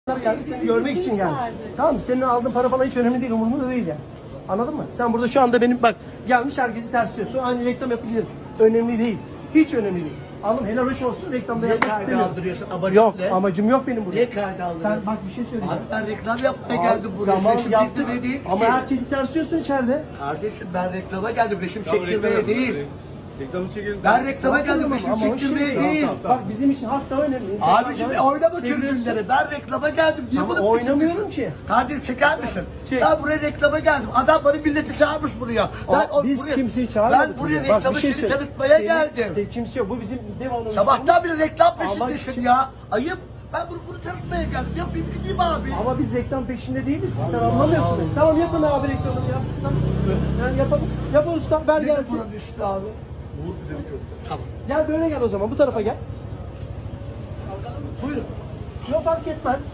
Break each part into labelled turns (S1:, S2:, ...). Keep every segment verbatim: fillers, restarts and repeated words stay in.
S1: geldi, seni görmek için geldi. Tamam mı? Senin aldığın para falan hiç önemli değil, umurumda değil yani. Anladın mı? Sen burada şu anda benim bak gelmiş herkesi tersliyorsun. Aynı reklam yapabilirim. Önemli değil. Hiç önemli değil. Alım helal hoş olsun, reklamda
S2: Niye
S1: yapmak
S2: kaydı
S1: istemiyorum.
S2: aldırıyorsun? Amacın
S1: Yok,
S2: ne?
S1: amacım yok benim burada.
S2: Niye kaydı aldırıyorsun?
S1: Sen bak bir şey söyleyeceğim.
S2: Abi ben reklam yapmaya
S1: Abi,
S2: geldim buraya.
S1: tamam,
S2: Resim
S1: yaptım.
S2: çektirmeye değil
S1: Ama
S2: ki.
S1: herkesi tersliyorsun içeride.
S2: Kardeşim ben reklama geldim. Resim
S3: Tamam,
S2: çektirmeye
S3: reklam
S2: değil.
S3: yapın. Reklamı çekelim.
S2: Ben reklama
S1: Yaptım
S2: geldim.
S1: ama
S2: Resim
S1: o
S2: çektirmeye
S1: şimdi-
S2: değil.
S1: Bak bizim için hak daha önemli. İnsanlar
S2: Abiciğim
S1: daha-
S2: oynama
S1: Seviyorsun.
S2: tribünleri. Ben reklama geldim. Niye
S1: Ama
S2: bunu
S1: oynamıyorum
S2: kaçırıyorsun?
S1: ki.
S2: Kardeşim çeker misin?
S1: Çek.
S2: Ben buraya reklama geldim. Adam bana milleti çağırmış buraya. Ben
S1: Aa, biz
S2: buraya,
S1: kimseyi çağırmadık.
S2: Ben buraya
S1: buraya. Bak,
S2: reklama
S1: bir şey
S2: seni
S1: söyle.
S2: tanıtmaya
S1: Senin-
S2: geldim.
S1: Sen kimse yok. Bu bizim devamlı.
S2: Sabahtan beri reklam
S1: Ama
S2: peşindesin
S1: şimdi-
S2: ya. Ayıp. Ben bunu, bunu tanıtmaya geldim. Yapayım gideyim abi.
S1: Ama biz reklam peşinde değiliz ki. Sen anlamıyorsun. beni. Tamam yapın abi reklamını ya. Sıkıntı yok. Yani yapalım. Yapın usta. Ver
S2: Ne
S1: gelsin.
S2: buna düştü abi? Tamam.
S1: Gel böyle gel o zaman. Bu tarafa gel. Buyurun. Yok fark etmez.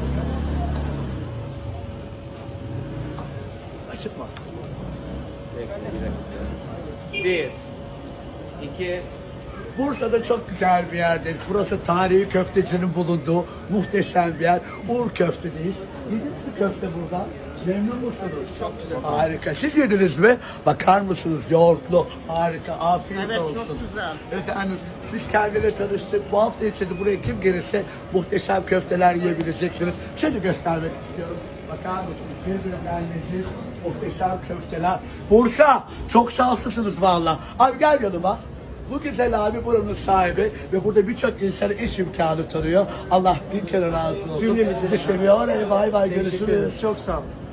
S2: Aşıtma.
S4: Bir, iki,
S2: Bursa'da çok güzel bir yerdir. Burası tarihi köftecinin bulunduğu muhteşem bir yer. Uğur Köfte'deyiz. Yediniz mi köfte burada? Memnun musunuz? Çok güzel. Harika. Siz yediniz mi? Bakar mısınız? Yoğurtlu. Harika. Afiyet
S5: Evet,
S2: olsun.
S5: çok güzel.
S2: Efendim biz kendileri tanıştık. Bu hafta içinde buraya kim gelirse muhteşem köfteler yiyebileceksiniz. Şöyle göstermek istiyorum. Bakar mısınız? Birbirinden leziz muhteşem köfteler. Bursa çok şanslısınız valla. Abi gel yanıma. Bu güzel abi buranın sahibi ve burada birçok insana iş imkanı tanıyor. Allah bin kere razı olsun.
S1: Cümlemize.
S2: Sizi seviyor. Hadi bay bay
S1: Teşekkür
S2: görüşürüz.
S1: ederim. Çok sağ ol.